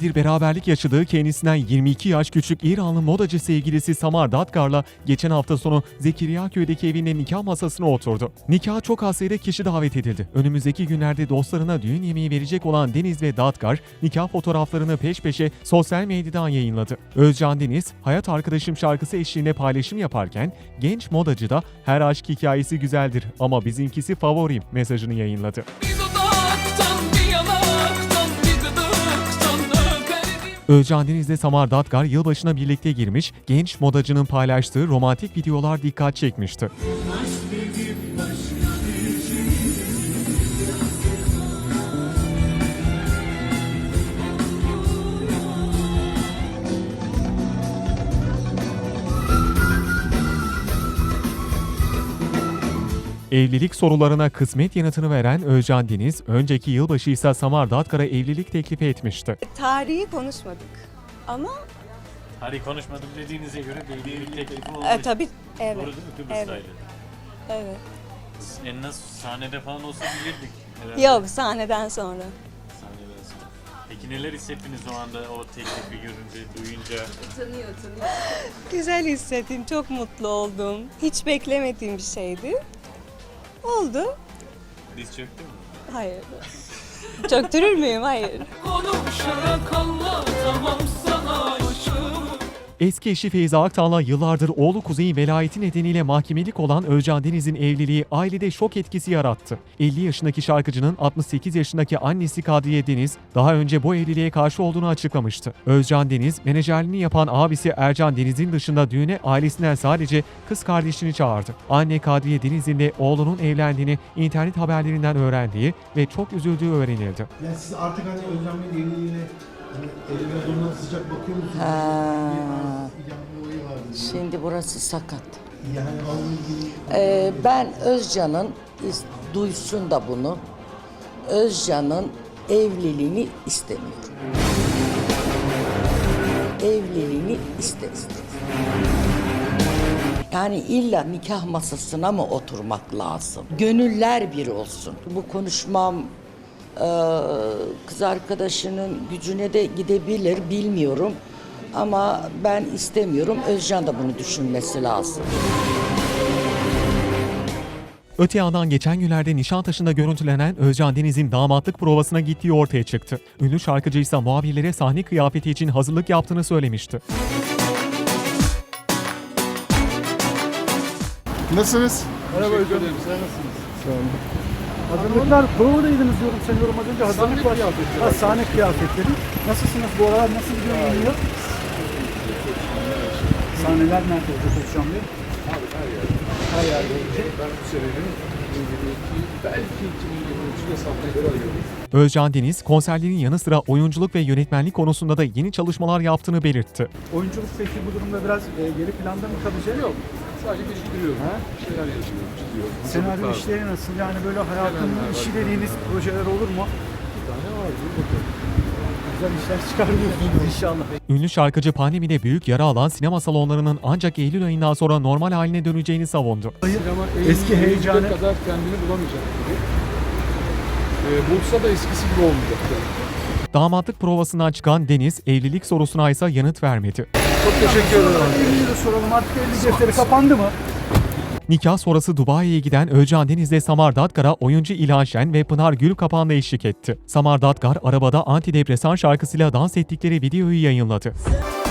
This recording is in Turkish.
süredir beraberlik yaşadığı kendisinden 22 yaş küçük İranlı modacı sevgilisi Samar Dadgar'la geçen hafta sonu Zekeriyaköy'deki evinde nikah masasına oturdu. Nikaha çok az sayıda kişi davet edildi. Önümüzdeki günlerde dostlarına düğün yemeği verecek olan Deniz ve Dadgar, nikah fotoğraflarını peş peşe sosyal medyadan yayınladı. Özcan Deniz, "Hayat Arkadaşım" şarkısı eşliğinde paylaşım yaparken, genç modacı da "Her aşk hikayesi güzeldir ama bizimkisi favorim" mesajını yayınladı. Özcan Deniz ile Samar Dadgar yılbaşına birlikte girmiş, genç modacının paylaştığı romantik videolar dikkat çekmişti. Evlilik sorularına kısmet yanıtını veren Özcan Deniz, önceki yılbaşı ise Samar Dadgar'a evlilik teklifi etmişti. Tarihi konuşmadık ama Tarih konuşmadım dediğinize göre bir evlilik teklifi olmuş. tabii evet. Doğru değil mi? Kıbrıs'taydı. Evet. En az sahnede falan olsa bilirdik herhalde. Yok, sahneden sonra. Sahneden sonra. Peki neler hissettiniz o anda o teklifi görünce, duyunca? Güzel hissettim, çok mutlu oldum. Hiç beklemediğim bir şeydi. Oldu. Diz çöktü mü? Hayır. Çöktürür müyüm? Hayır. Konuşarak anlatamam sana aşkımı. Eski eşi Feyza Aktan'la yıllardır oğlu Kuzey'in velayeti nedeniyle mahkemelik olan Özcan Deniz'in evliliği ailede şok etkisi yarattı. 50 yaşındaki şarkıcının 68 yaşındaki annesi Kadriye Deniz daha önce bu evliliğe karşı olduğunu açıklamıştı. Özcan Deniz, menajerliğini yapan abisi Ercan Deniz'in dışında düğüne ailesinden sadece kız kardeşini çağırdı. Anne Kadriye Deniz'in de oğlunun evlendiğini internet haberlerinden öğrendiği ve çok üzüldüğü öğrenildi. Yani siz artık hani Özlem Bey'in evliliğine hani eline durumuna sıcak bakıyor musunuz? Bir olayı vardı. Şimdi burası sakat. Yani onunla ilgili Ben Özcan'ın duysun da bunu. Özcan'ın evliliğini istemiyorum. Evliliğini isteriz. Yani illa nikah masasına mı oturmak lazım? Gönüller bir olsun. Bu konuşmam kız arkadaşının gücüne de gidebilir, bilmiyorum. Ama ben istemiyorum. Özcan da bunu düşünmesi lazım. Öte yandan geçen günlerde Nişantaşı'nda görüntülenen Özcan Deniz'in damatlık provasına gittiği ortaya çıktı. Ünlü şarkıcı ise muhabirlere sahne kıyafeti için hazırlık yaptığını söylemişti. Nasılsınız? Merhaba hocam. Sen nasılsınız? Sağ olun. Hazırlıklar provadaydınız diyorum sanıyorum az önce. Hazırlık var. Sahne kıyafetleri. Nasılsınız bu aralar? Nasıl gidiyor yayınlıyor? Sahneler nerede olacak Özcan Bey? Abi her yerde. Her yerde olacak. Ben bu senenin belki 2023'de sahneleri arıyorum. Özcan Deniz, konserlerin yanı sıra oyunculuk ve yönetmenlik konusunda da yeni çalışmalar yaptığını belirtti. Oyunculuk peki bu durumda biraz geri planda mı kalacak? Yok. Sadece geliştiriyorum. Bir şeyler yaşıyorum, çiziyorum. Senaryo Hazırlıklar. işleri nasıl? Yani böyle hayatının işi dediğiniz projeler olur mu? Bir tane var. Dur bakalım. Güzel işler çıkarıyorsunuz inşallah. Ünlü şarkıcı pandemide büyük yara alan sinema salonlarının ancak Eylül ayından sonra normal haline döneceğini savundu. Sinema Eski heyecanı- kadar kendini bulamayacak gibi. Bulsa da eskisi gibi olmayacak. Damatlık provasından çıkan Deniz, evlilik sorusuna ise yanıt vermedi. Çok teşekkür ederim. Evliliği de soralım artık evlilik defteri kapandı mı? Nikah sonrası Dubai'ye giden Özcan Deniz ile Samar Dadgar'a oyuncu İlhan Şen ve Pınar Gülkapan'la eşlik etti. Samar Dadgar arabada antidepresan şarkısıyla dans ettikleri videoyu yayınladı.